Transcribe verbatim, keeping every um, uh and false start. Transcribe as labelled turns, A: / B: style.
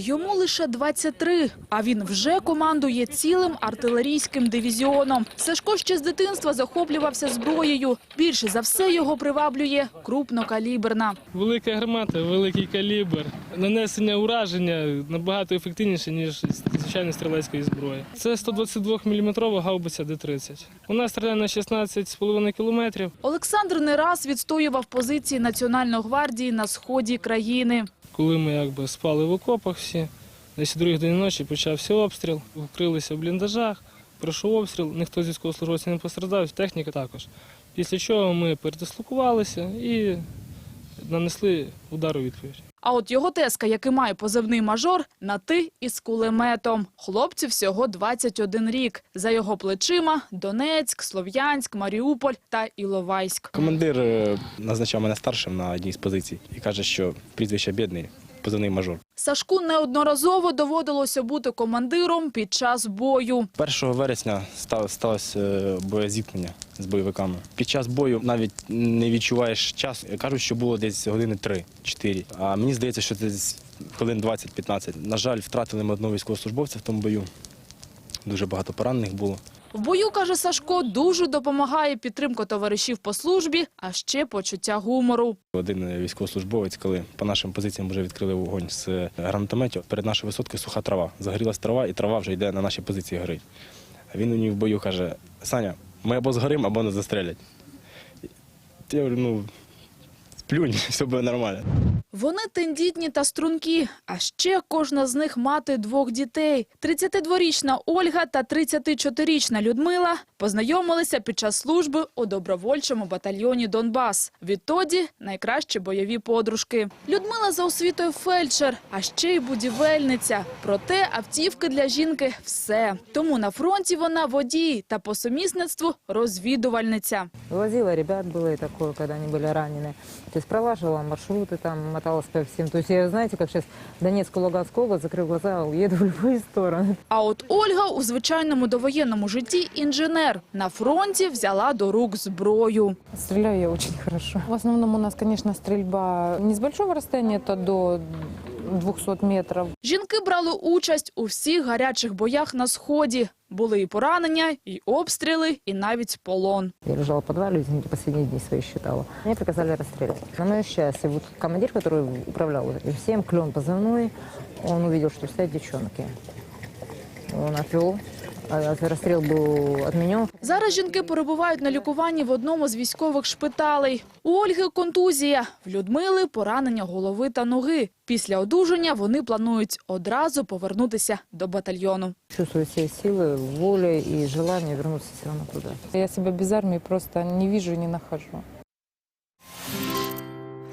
A: Йому лише двадцять три, а він вже командує цілим артилерійським дивізіоном. Сашко ще з дитинства захоплювався зброєю. Більше за все його приваблює крупнокаліберна.
B: Велика гармата, великий калібр. Нанесення ураження набагато ефективніше, ніж звичайної стрілецької зброї. Це сто двадцять два міліметрова гаубиця Д тридцять. Вона стріляє на шістнадцять з половиною кілометрів.
A: Олександр не раз відстоював позиції Національної гвардії на сході країни.
B: Коли ми якби спали в окопах всі, десь о другій годині ночі почався обстріл, вкрилися в бліндажах, пройшов обстріл, ніхто з військовослужбовців не постраждав, техніка також. Після чого ми передислокувалися і нанесли удар у відповідь.
A: А от його тезка, який має позивний «Мажор», на «ти» із кулеметом. Хлопцю всього двадцять один рік. За його плечима – Донецьк, Слов'янськ, Маріуполь та Іловайськ.
C: Командир назначав мене старшим на одній з позицій і каже, що прізвище Бєдний, позивний «Мажор».
A: Сашку неодноразово доводилося бути командиром під час бою.
C: першого вересня сталося боєзіткнення з бойовиками. Під час бою навіть не відчуваєш час. Кажуть, що було десь години три-чотири. А мені здається, що це хвилин двадцять-п'ятнадцять. На жаль, втратили ми одного військовослужбовця в тому бою. Дуже багато поранених було.
A: В бою, каже Сашко, дуже допомагає підтримка товаришів по службі, а ще почуття гумору.
C: Один військовослужбовець, коли по нашим позиціям вже відкрили вогонь з гранатометів, перед нашою висоткою суха трава. Загорілась трава, і трава вже йде на наші позиції горить. А він мені в бою каже: «Саня, ми або згоримо, або нас застрелять». Я говорю, ну, сплюнь, все буде нормально.
A: Вони тендітні та стрункі, а ще кожна з них мати двох дітей. тридцятидворічна Ольга та тридцятичотирирічна Людмила познайомилися під час служби у добровольчому батальйоні «Донбас». Відтоді найкращі бойові подружки. Людмила за освітою фельдшер, а ще й будівельниця. Проте автівки для жінки – все. Тому на фронті вона водій та по сумісництву розвідувальниця.
D: Возила ребят, было и такое, когда они были ранены. То есть пролаживала маршруты, там, моталась по всем. То есть я, знаете, как сейчас Донецкую, Луганскую область, закрыв глаза, уеду в любые стороны.
A: А от Ольга у звичайному довоєнному житті інженер. На фронті взяла до рук зброю.
D: Стреляю я очень хорошо. В основном у нас, конечно, стрельба не с большого расстояния, это до двухсот метров.
A: Жінки брали участь у всіх гарячих боях на Сході. Були і поранення, і обстріли, і навіть полон.
D: Я лежала в подвале, извините, последние дни свои считала. Мне приказали расстрелять. На мое счастье, вот командир, который управлял всем, Клен позывной, он увидел, что стоят девчонки. Он отвел. Розстріл був відмінений.
A: Зараз жінки перебувають на лікуванні в одному з військових шпиталей. У Ольги контузія, в Людмили поранення голови та ноги. Після одужання вони планують одразу повернутися до батальйону.
D: Чувствую всі сили, волю і бажання повернутися все одно туди.
E: Я себе без армії просто не бачу і не знаходжу.